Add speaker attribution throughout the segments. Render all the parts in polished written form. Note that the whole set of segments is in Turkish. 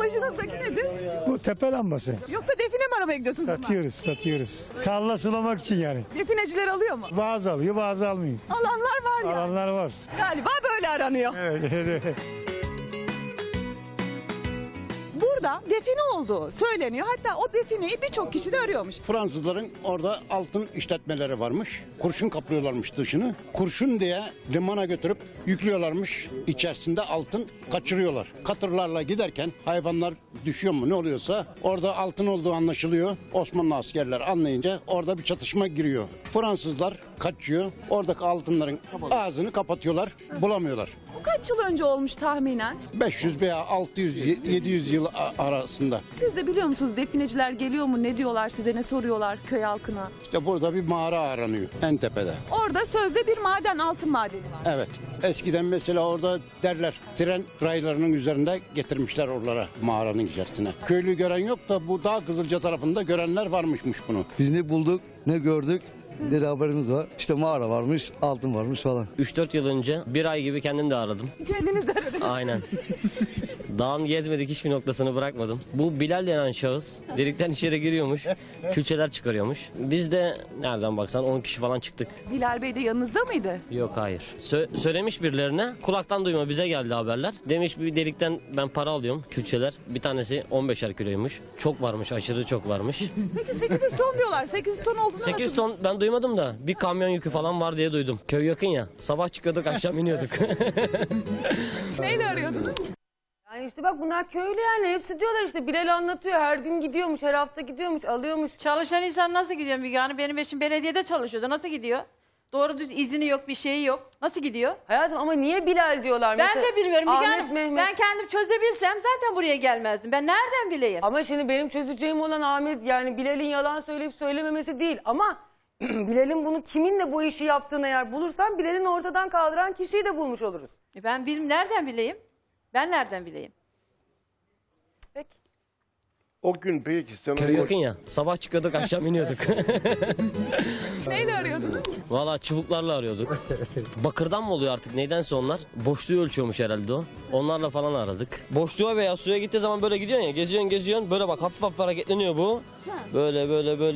Speaker 1: Başınızdaki nedir?
Speaker 2: Bu tepe lambası.
Speaker 1: Yoksa define mi aramaya gidiyorsunuz?
Speaker 2: Satıyoruz. Tarla sulamak için yani.
Speaker 1: Defineciler alıyor mu?
Speaker 2: Bazı alıyor, bazı almıyor.
Speaker 1: Alanlar var ya.
Speaker 2: Alanlar var.
Speaker 1: Galiba böyle aranıyor.
Speaker 2: Evet.
Speaker 1: Burada define olduğu söyleniyor. Hatta o defineyi birçok kişi de arıyormuş.
Speaker 3: Fransızların orada altın işletmeleri varmış. Kurşun kaplıyorlarmış dışını. Kurşun diye limana götürüp yüklüyorlarmış. İçerisinde altın kaçırıyorlar. Katırlarla giderken hayvanlar düşüyor mu ne oluyorsa orada altın olduğu anlaşılıyor. Osmanlı askerler anlayınca orada bir çatışma giriyor. Fransızlar kaçıyor. Oradaki altınların ağzını kapatıyorlar. Bulamıyorlar.
Speaker 1: Bu kaç yıl önce olmuş tahminen?
Speaker 3: 500 veya 600-700 yıl arasında.
Speaker 1: Siz de biliyor musunuz defineciler geliyor mu? Ne diyorlar size? Ne soruyorlar köy halkına?
Speaker 3: İşte burada bir mağara aranıyor en tepede.
Speaker 1: Orada sözde bir maden, altın madeni var.
Speaker 3: Evet. Eskiden mesela orada derler tren raylarının üzerinde getirmişler oralara mağaranın içerisine. Köylü gören yok da bu dağ Kızılca tarafında görenler varmışmış bunu.
Speaker 4: Biz ne bulduk ne gördük ne de haberimiz var. İşte mağara varmış, altın varmış falan.
Speaker 5: 3-4 yıl önce bir ay gibi kendim de aradım.
Speaker 1: Kendiniz de aradınız.
Speaker 5: Aynen. Dağın gezmedik hiçbir noktasını bırakmadım. Bu Bilal denen şahıs delikten içeri giriyormuş. Külçeler çıkarıyormuş. Biz de nereden baksan 10 kişi falan çıktık.
Speaker 1: Bilal Bey de yanınızda mıydı?
Speaker 5: Yok hayır. Söylemiş birilerine kulaktan duyma bize geldi haberler. Demiş bir delikten ben para alıyorum külçeler. Bir tanesi 15'er kiloymuş. Çok varmış aşırı çok varmış.
Speaker 1: Peki 800 ton diyorlar. 800 ton olduğunu
Speaker 5: 800 ton ben duymadım da bir kamyon yükü falan var diye duydum. Köy yakın ya. Sabah çıkıyorduk akşam iniyorduk.
Speaker 1: Neyle arıyordunuz?
Speaker 6: Yani işte bak bunlar köylü yani hepsi diyorlar işte Bilal anlatıyor her gün gidiyormuş her hafta gidiyormuş alıyormuş.
Speaker 7: Çalışan insan nasıl gidiyor Müge Hanım? Benim eşim belediyede çalışıyordu. Nasıl gidiyor? Doğru düz izni yok, bir şeyi yok. Nasıl gidiyor?
Speaker 6: Hayatım ama niye Bilal diyorlar
Speaker 7: Ben
Speaker 6: mesela?
Speaker 7: de bilmiyorum Müge
Speaker 6: Ahmet,
Speaker 7: Hanım.
Speaker 6: Mehmet.
Speaker 7: Ben kendim çözebilsem zaten buraya gelmezdim. Ben nereden bileyim?
Speaker 6: Ama şimdi benim çözeceğim olan Ahmet yani Bilal'in yalan söyleyip söylememesi değil ama Bilal'in bunu kiminle bu işi yaptığını eğer bulursam Bilal'in ortadan kaldıran kişiyi de bulmuş oluruz.
Speaker 7: Ben nereden bileyim? Ben nereden bileyim?
Speaker 6: Peki.
Speaker 8: O gün peki sen
Speaker 5: Köy yakın ya. Sabah çıkıyorduk akşam iniyorduk.
Speaker 1: Neyle arıyordunuz?
Speaker 5: Valla çubuklarla arıyorduk. Bakırdan mı oluyor artık neydense onlar. Boşluğu ölçüyormuş herhalde o. Onlarla falan aradık. Boşluğa veya suya gittiği zaman böyle gidiyorsun ya. Geziyorsun. Böyle bak hafif hafif hareketleniyor bu. Böyle.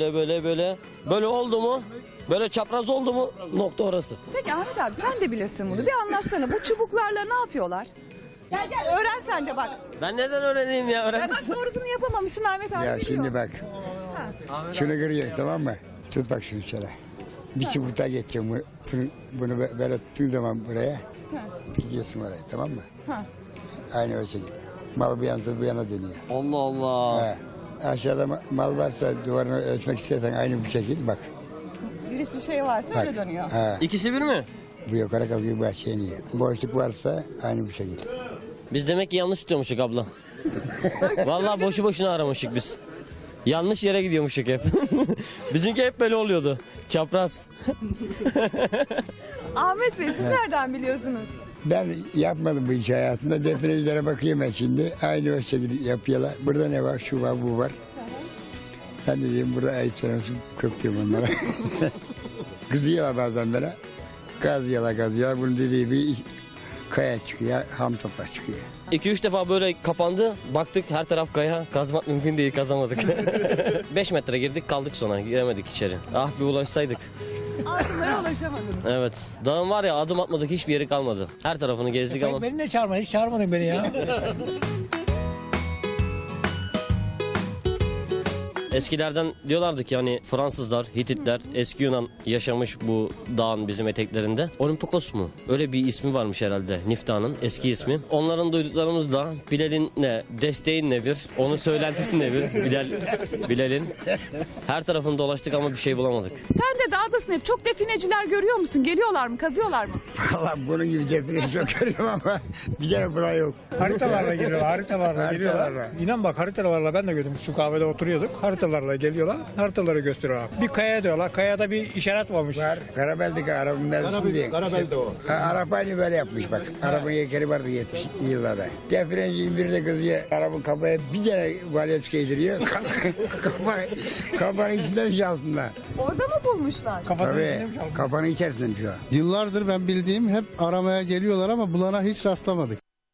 Speaker 5: Böyle oldu mu? Böyle çapraz oldu mu? Nokta orası.
Speaker 1: Peki Ahmet abi sen de bilirsin bunu. Bir anlatsana bu çubuklarla ne yapıyorlar? Gel öğren sen de bak.
Speaker 5: Ben neden öğreneyim ya?
Speaker 1: Ya bak doğrusunu yapamamışsın Ahmet abi
Speaker 9: Ya
Speaker 1: biliyor.
Speaker 9: şimdi bak. Şunu kırıyor tamam mı? Tut bak şunu şöyle. Bir çubukta geçeceğim. Bunu böyle tuttuğun zaman buraya. Gidiyorsun oraya tamam mı? Aynı o şekilde. Mal bir yana bu yana dönüyor.
Speaker 5: Allah Allah.
Speaker 9: Ha. Aşağıda mal varsa duvarını ölçmek istersen aynı bu şekilde bak.
Speaker 1: Bir şey varsa öyle dönüyor.
Speaker 9: Ha.
Speaker 5: İkisi bir mi?
Speaker 9: Bu yukarı kalkıyor bu aşağı iniyor. Boşluk varsa aynı bu şekilde.
Speaker 5: Biz demek ki yanlış tutuyormuşuk abla. Vallahi boşu boşuna aramışık biz. Yanlış yere gidiyormuşuk hep. Bizimki hep böyle oluyordu. Çapraz.
Speaker 1: Ahmet Bey siz nereden biliyorsunuz?
Speaker 9: Ben yapmadım bu işi hayatımda. Definecilere bakayım ben şimdi. Aynı o şekilde yapıyorlar. Burada ne var? Şu var, bu var. Ben de diyeyim burada ayıp sanıyorsun. Köptüyorum onlara. Kızıyorlar bazen bana. Kazıyorlar. Bunun dediği bir kaya çıkıyor, ham toprak çıkıyor.
Speaker 5: 2-3 defa böyle kapandı. Baktık her taraf kaya. Kazmak mümkün değil. Kazamadık. 5 metre girdik kaldık sonra. Giremedik içeri. Ah bir ulaşsaydık.
Speaker 1: Altınlara ulaşamadınız.
Speaker 5: Evet. Dağın var ya adım atmadık hiçbir yeri kalmadı. Her tarafını gezdik ama.
Speaker 2: Beni de çağırma, hiç çağırmadın beni ya.
Speaker 5: Eskilerden diyorlardı ki hani Fransızlar, Hititler, eski Yunan yaşamış bu dağın bizim eteklerinde. Olimpokos mu? Öyle bir ismi varmış herhalde Nifta'nın eski ismi. Onların duyduklarımızla Bilal'in ne, desteğin ne bir, onun söylentisi ne bir, Bilal'in. Her tarafını dolaştık ama bir şey bulamadık.
Speaker 1: Sen de dağdasın hep. Çok defineciler görüyor musun? Geliyorlar mı? Kazıyorlar mı?
Speaker 9: Valla bunun gibi define çok görüyorum ama bir tane buraya yok.
Speaker 2: Haritalarla geliyorlar, haritalarla geliyorlar.
Speaker 9: Haritalarla.
Speaker 2: İnan bak haritalarla ben de gördüm. Şu kahvede oturuyorduk. Haritalarla geliyorlar, haritaları gösteriyorlar. Bir kaya diyorlar, kayada bir işaret varmış.
Speaker 9: Var. Karabel'deki arabanın mevzusu diye.
Speaker 8: Karabel'de o.
Speaker 9: Araba aynı böyle yapmış bak. Arabanın yekeri vardı 70'li yıllarda. Definencinin biri de kızıyor. Arabanın kafaya bir tane valyet giydiriyor. Kafanın içinden şey altında.
Speaker 1: Orada mı bulmuşlar?
Speaker 9: Tabii. Kafanın içerisinden şu an.
Speaker 4: Yıllardır ben bildiğim hep aramaya geliyorlar ama bulana hiç rastlamadık.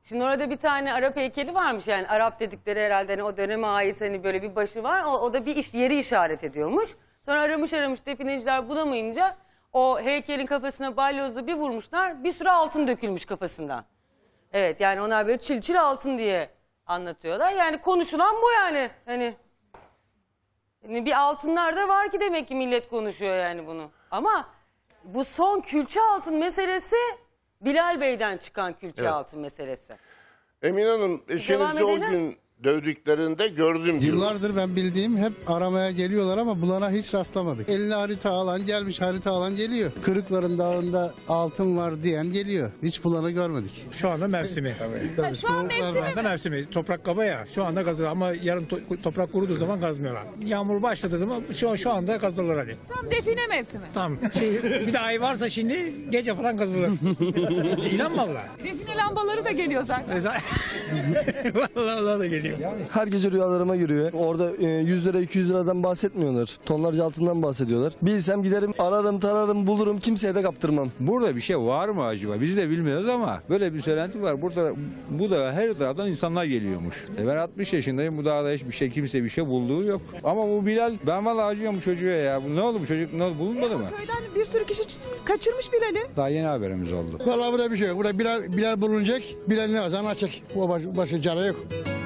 Speaker 6: Şimdi orada bir tane Arap heykeli varmış, yani Arap dedikleri herhalde hani o döneme ait hani böyle bir başı var. O da bir yeri işaret ediyormuş. Sonra aramış defineciler bulamayınca o heykelin kafasına balyozla bir vurmuşlar. Bir sürü altın dökülmüş kafasından. Evet, yani onlar böyle çil çil altın diye anlatıyorlar. Yani konuşulan bu yani. Hani bir altınlar da var ki demek ki millet konuşuyor yani bunu. Ama bu son külçe altın meselesi Bilal Bey'den çıkan külçe altın meselesi.
Speaker 8: Emine Hanım, eşinizi o
Speaker 6: edelim.
Speaker 8: gün dövdüklerinde gördüm diyor.
Speaker 10: Yıllardır ben bildiğim hep aramaya geliyorlar ama bulana hiç rastlamadık. Eline harita alan gelmiş, harita alan geliyor. Kırıkların dağında altın var diyen geliyor. Hiç bulanı görmedik.
Speaker 2: Şu anda mevsimi. Tabii.
Speaker 1: Şu an mevsimi
Speaker 2: Şu anda mevsimi. Toprak kaba ya. Şu anda kazılır ama yarın toprak kuruduğu zaman kazmıyorlar. Yağmur başladığı zaman şu anda kazılır hani.
Speaker 1: tam define mevsimi.
Speaker 2: Tamam. Bir de ay varsa şimdi gece falan kazılır. İnan valla.
Speaker 1: Define lambaları da geliyor zaten.
Speaker 2: Vallahi da geliyor.
Speaker 4: Her gece rüyalarıma giriyor. Orada 100 lira 200 liradan bahsetmiyorlar. Tonlarca altından bahsediyorlar. Bilsem giderim ararım tararım bulurum kimseye de kaptırmam.
Speaker 11: Burada bir şey var mı acaba? Biz de bilmiyoruz ama böyle bir söylenti var. Burada bu da her taraftan insanlar geliyormuş. Ben 60 yaşındayım. Bu dağda hiçbir şey kimse bir şey bulduğu yok. Ama bu Bilal ben vallahi acıyorum çocuğa ya. Bu ne oldu bu çocuk ne oldu bulunmadı mı?
Speaker 1: Köyden bir sürü kişi kaçırmış Bilal'i.
Speaker 11: Daha yeni haberimiz oldu.
Speaker 9: Vallahi burada bir şey yok. Burada Bilal bulunacak. Bilal ne var? Anlatacak. O başı cara yok.